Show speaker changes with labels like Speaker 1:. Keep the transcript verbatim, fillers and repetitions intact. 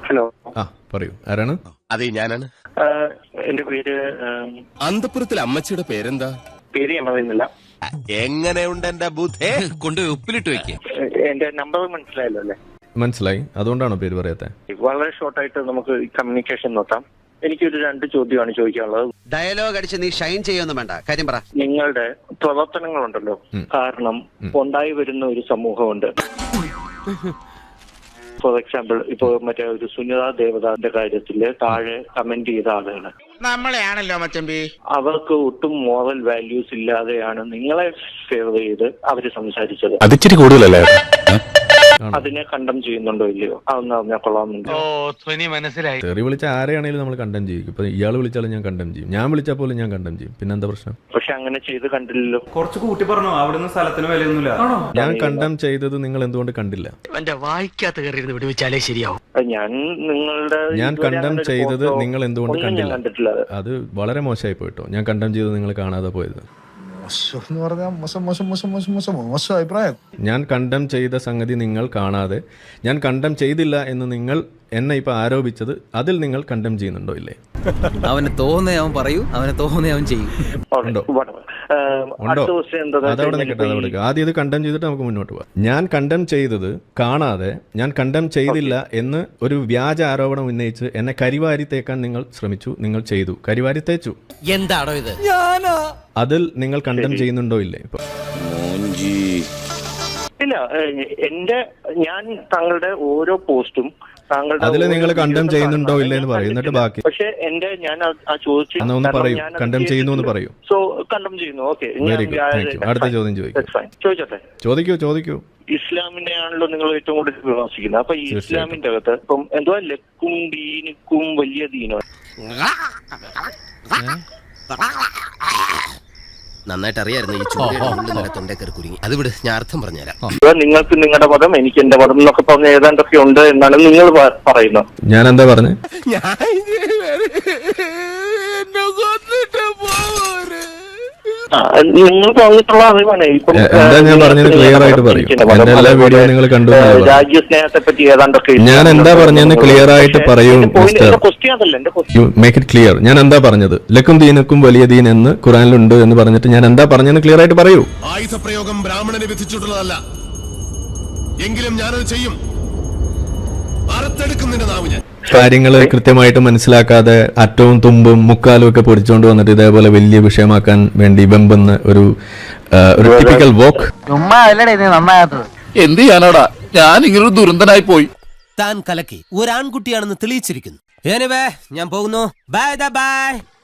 Speaker 1: Hello.
Speaker 2: ആ പറയൂ, ആരാണ്?
Speaker 3: അതെ, ഞാനാണ്.
Speaker 1: എന്റെ പേര്
Speaker 3: അന്തപുരത്തിലെ അമ്മച്ചിയുടെ പേരെന്താ?
Speaker 1: പേര് ഞാൻ പറയുന്നില്ല.
Speaker 3: എങ്ങനെയുണ്ട് എന്റെ ബുദ്ധേ? കൊണ്ട് ഉപ്പിലിട്ട് വെക്ക.
Speaker 1: എന്റെ നമ്പർ മനസ്സിലായല്ലോ അല്ലേ?
Speaker 2: മനസ്സിലായി. അതുകൊണ്ടാണോ പേര് പറയാത്തെ?
Speaker 1: വളരെ ഷോർട്ടായിട്ട് നമുക്ക് കമ്മ്യൂണിക്കേഷൻ നോക്കാം. എനിക്കൊരു രണ്ട് ചോദ്യമാണ് ചോദിക്കാനുള്ളത്.
Speaker 4: ഡയലോഗ് അടിച്ച് നീ ഷൈൻ ചെയ്യൊന്നും വേണ്ട, കാര്യം പറ.
Speaker 1: നിങ്ങളുടെ പ്രവർത്തനങ്ങളുണ്ടല്ലോ, കാരണം ഉണ്ടായി വരുന്ന ഒരു സമൂഹമുണ്ട്. ഫോർ എക്സാമ്പിൾ, ഇപ്പൊ മറ്റേ ഒരു സുനിത ദേവതാന്റെ കാര്യത്തില് താഴെ കമന്റ് ചെയ്ത ആളുകള്
Speaker 3: നമ്മളെയാണല്ലോ മച്ചമ്പി.
Speaker 1: അവർക്ക് ഒട്ടും മോറൽ വാല്യൂസ് ഇല്ലാതെയാണ് നിങ്ങളെ ഫേവർ ചെയ്ത് അവര് സംസാരിച്ചത്.
Speaker 3: അതിച്ചിരി കൂടുതലല്ലേ?
Speaker 1: അതിനെ കണ്ടം ചെയ്യുന്നുണ്ടോ ഇല്ലയോ അതൊന്നും അറിഞ്ഞാൽ കൊള്ളാമെന്നുണ്ട്.
Speaker 3: മനസ്സിലായി.
Speaker 2: തെറി വിളിച്ച ആരെയാണെങ്കിലും നമ്മൾ കണ്ടം ചെയ്യും. ഇപ്പൊ ഇയാൾ വിളിച്ചാലും ഞാൻ കണ്ടം ചെയ്യും, ഞാൻ വിളിച്ചാൽ പോലും ഞാൻ കണ്ടം ചെയ്യും. പിന്നെ എന്താ പ്രശ്നം?
Speaker 1: പക്ഷെ അങ്ങനെ ചെയ്ത് കണ്ടില്ലല്ലോ.
Speaker 5: കുറച്ച് കൂട്ടി പറഞ്ഞു, അവിടുന്ന് സ്ഥലത്തിന് വിലയൊന്നുമില്ല.
Speaker 2: ഞാൻ കണ്ടം ചെയ്തത് നിങ്ങൾ എന്തുകൊണ്ട് കണ്ടില്ല?
Speaker 4: എന്റെ വായിക്കാത്ത കയറി വിടുവിച്ചാലേ ശരിയാവും.
Speaker 1: ഞാൻ നിങ്ങളുടെ
Speaker 2: ഞാൻ കണ്ടം ചെയ്തത് നിങ്ങൾ എന്തുകൊണ്ട് കണ്ടില്ല?
Speaker 1: കണ്ടിട്ടില്ല.
Speaker 2: അത് വളരെ മോശമായി പോയിട്ടോ. ഞാൻ കണ്ടം ചെയ്തത് നിങ്ങൾ കാണാതെ പോയത്. ഞാൻ കണ്ടം ചെയ്ത സംഗതി നിങ്ങൾ കാണാതെ, ഞാൻ കണ്ടം ചെയ്തില്ല എന്ന് നിങ്ങൾ എന്നെ ഇപ്പൊ ആരോപിച്ചത്, അതിൽ നിങ്ങൾ കണ്ടം ചെയ്യുന്നുണ്ടോ ഇല്ലേ?
Speaker 6: അവന് തോന്നേ അവൻ പറയൂ, അവനെ തോന്നേ അവൻ ചെയ്യും.
Speaker 2: ഉണ്ടോ? ഉണ്ടോ? അതവിടെ നിൽക്കട്ടെ, അതവിടെ. ആദ്യം ഇത് കണ്ടം ചെയ്തിട്ട് നമുക്ക് മുന്നോട്ട് പോകാം. ഞാൻ കണ്ടം ചെയ്തത് കാണാതെ, ഞാൻ കണ്ടം ചെയ്തില്ല എന്ന് ഒരു വ്യാജ ആരോപണം ഉന്നയിച്ച് എന്നെ കരിവാരി തേക്കാൻ നിങ്ങൾ ശ്രമിച്ചു. നിങ്ങൾ ചെയ്തു, കരിവാരി തേച്ചു.
Speaker 6: എന്താണോ ഇത്?
Speaker 2: അതിൽ നിങ്ങൾ കണ്ടം ചെയ്യുന്നുണ്ടോ ഇല്ലേ? ഇപ്പൊ
Speaker 1: ഇല്ല, എന്റെ ഞാൻ താങ്കളുടെ ഓരോ പോസ്റ്റും
Speaker 2: അതിൽ നിങ്ങൾ കണ്ടം ചെയ്യുന്നുണ്ടോ ഇല്ല എന്ന് പറയും, എന്നിട്ട് ബാക്കി.
Speaker 1: പക്ഷെ എന്റെ ഞാൻ ആ ചോദിച്ചു
Speaker 2: ഒന്ന് പറയൂ, കണ്ടം ചെയ്യുന്നു എന്ന് പറയൂ.
Speaker 1: സോ കണ്ടം ചെയ്യുന്നു. Okay,
Speaker 2: very good, thank you. അടുത്ത ചോദ്യം ചോദിക്കും.
Speaker 1: ചോദിച്ചോട്ടെ?
Speaker 2: ചോദിക്കൂ ചോദിക്കൂ.
Speaker 1: ഇസ്ലാമിനെ ആണല്ലോ നിങ്ങൾ ഏറ്റവും കൂടുതൽ വിമർശിക്കുന്നത്. അപ്പൊ ഈ ഇസ്ലാമിന്റെ അകത്ത് ഇപ്പം എന്തുവാ ലക്കും ദീനിക്കും വലിയ ദീനോ?
Speaker 6: നന്നായിട്ട് അറിയായിരുന്നു ഈ ചൂട് തൊണ്ടേ കയറി കുരുങ്ങി. അത് വിട്, ഞാൻ അർത്ഥം പറഞ്ഞുതരാം.
Speaker 1: നിങ്ങൾക്ക് നിങ്ങളുടെ മതം, എനിക്ക് എന്റെ മതം എന്നൊക്കെ പറഞ്ഞ ഏതാണ്ടൊക്കെ ഉണ്ട് എന്നാണ് നിങ്ങൾ പറയുന്നത്.
Speaker 2: ഞാൻ എന്താ പറഞ്ഞേ?
Speaker 1: നിങ്ങൾ പറഞ്ഞിട്ടുള്ള അറിവാണ്.
Speaker 2: എന്താ ഞാൻ പറഞ്ഞത് ക്ലിയർ ആയിട്ട് പറയും. എന്റെ എല്ലാ വീഡിയോ നിങ്ങൾ കണ്ടു.
Speaker 1: രാജ്യസ്നേഹത്തെ പറ്റി ഏതാണ്ടൊക്കെ
Speaker 2: ഞാൻ എന്താ പറഞ്ഞെന്ന് ക്ലിയർ ആയിട്ട് പറയൂ mister. You make it clear. ഞാൻ എന്താ പറഞ്ഞത്? ലക്കും ദീനക്കും വലിയ ദീൻ എന്ന് ഖുറാനിലുണ്ട് എന്ന് പറഞ്ഞിട്ട് ഞാൻ എന്താ പറഞ്ഞെന്ന് ക്ലിയർ ആയിട്ട് പറയൂ.
Speaker 3: ആയുധപ്രയോഗം ബ്രാഹ്മണന് വിധിച്ചിട്ടുള്ളതല്ല, എങ്കിലും ഞാനത് ചെയ്യും.
Speaker 2: കാര്യങ്ങള് കൃത്യമായിട്ട് മനസ്സിലാക്കാതെ അറ്റവും തുമ്പും മുക്കാലും ഒക്കെ പൊടിച്ചുകൊണ്ട് വന്നിട്ട് ഇതേപോലെ വലിയ വിഷയമാക്കാൻ വേണ്ടി വെമ്പുന്ന ഒരു ഒരു ടിപ്പിക്കൽ വോക്ക്.
Speaker 7: എന്ത് ചെയ്യാനാടാ, ഞാൻ ഇങ്ങനൊരു ദുരന്തനായി പോയി.
Speaker 6: താൻ കലക്കി ഒരാൺകുട്ടിയാണെന്ന് തെളിയിച്ചിരിക്കുന്നു. ഞാൻ പോകുന്നു. Bye by.